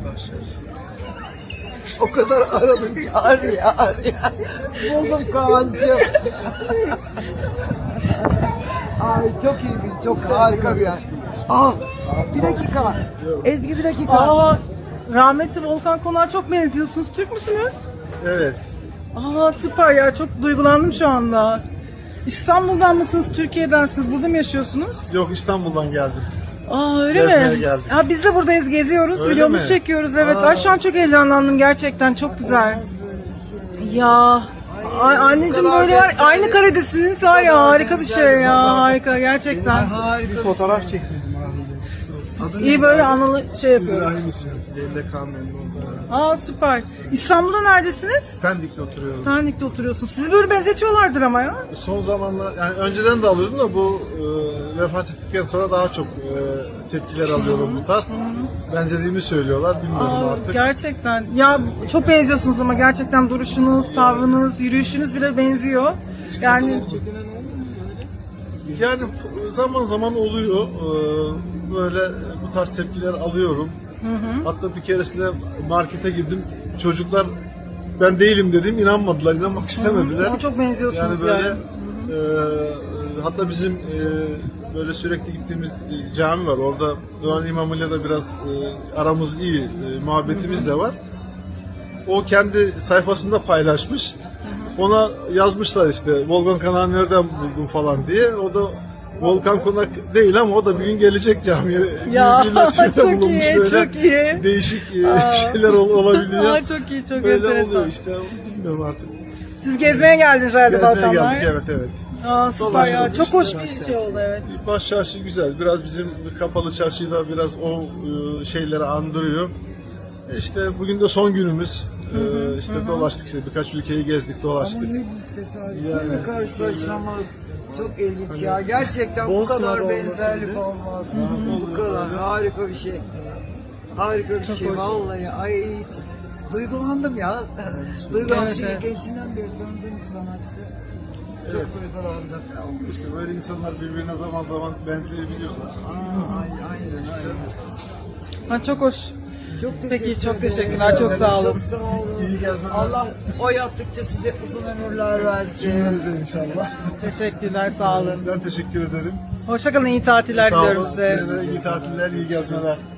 O kadar aradım yar. Buldum Kaan'cığım. Ay çok iyi bir, çok harika bir yer. Bir dakika. Ezgi bir dakika. Rahmetli Volkan Konak'a çok benziyorsunuz. Türk müsünüz? Evet. Süper ya, çok duygulandım şu anda. İstanbul'dan mısınız, Türkiye'densiniz? Burada mı yaşıyorsunuz? Yok, İstanbul'dan geldim. Öyle Gezmeye mi? geldim. Biz de buradayız, geziyoruz, Öyle videomuzu mi? çekiyoruz. Evet. Şu an çok heyecanlandım gerçekten, çok güzel. Ya anneciğim böyle var, aynı karedesiniz var ya, harika bir şey ya, harika gerçekten. Bir fotoğraf çektim. İyi böyle anılı şey yapıyoruz. Evde kalmayın. Süper. İstanbul'da neredesiniz? Pendik'te oturuyorum. Pendik'te oturuyorsunuz. Sizi böyle benzetiyorlardır ama ya. Son zamanlar, yani önceden de alıyordum da bu vefat ettikten sonra daha çok tepkiler alıyorum bu tarz. Benzediğimi söylüyorlar, bilmiyorum artık. Gerçekten. Ya çok benziyorsunuz ama gerçekten duruşunuz, tavrınız, yürüyüşünüz bile benziyor. Yani Zaman zaman oluyor. Böyle bu tarz tepkiler alıyorum. Hatta bir keresinde markete girdim. Çocuklar ben değilim dedim. İnanmadılar, inanmak istemediler. Ama çok benziyorsunuz yani. Hatta bizim böyle sürekli gittiğimiz cami var. Orada Doğan İmamı'yla da biraz aramız iyi, muhabbetimiz de var. O kendi sayfasında paylaşmış. Ona yazmışlar işte Volkan Konak'ı nereden buldun falan diye. O da Volkan Konak değil ama o da bir gün gelecek camiye. Ya Çok çok iyi, çok iyi. Değişik şeyler olabiliyor. Çok iyi, çok Böyle enteresan. oluyor işte, bilmiyorum artık. Siz gezmeye geldiniz herhalde Gezmeye Balkanlar. geldik, evet. Süper ya, Dolaşıyoruz çok işte, hoş bir şey oldu, evet. Baş çarşı güzel. Biraz bizim kapalı çarşıyla biraz o şeyleri andırıyor. İşte bugün de son günümüz. İşte dolaştık, işte birkaç ülkeyi gezdik, dolaştık. Ama ne büyük tesadüf. Değil mi karşılaşmamız? Çok ilginç ya. Gerçekten bu kadar benzerlik olmaz. Bu kadar harika bir şey. Harika bir şey vallahi. Ay duygulandım ya. Duygulandım. Evet. Gençliğinden beri tanıdığım bir sanatçı. Çok duygulandım. İşte böyle insanlar birbirine zaman zaman benzeyebiliyorlar. Aynen. Çok hoş. Çok teşekkür Peki, çok ederim. teşekkürler, çok sağ olun. Çok sağ olun. İyi gezmeler. Allah o yaptıkça size uzun ömürler versin. Cümlemize inşallah. Teşekkürler, sağ olun. Ben teşekkür ederim. Hoşçakalın, iyi tatiller Sağ olun. diliyorum size. Size de iyi tatiller, iyi gezmeler.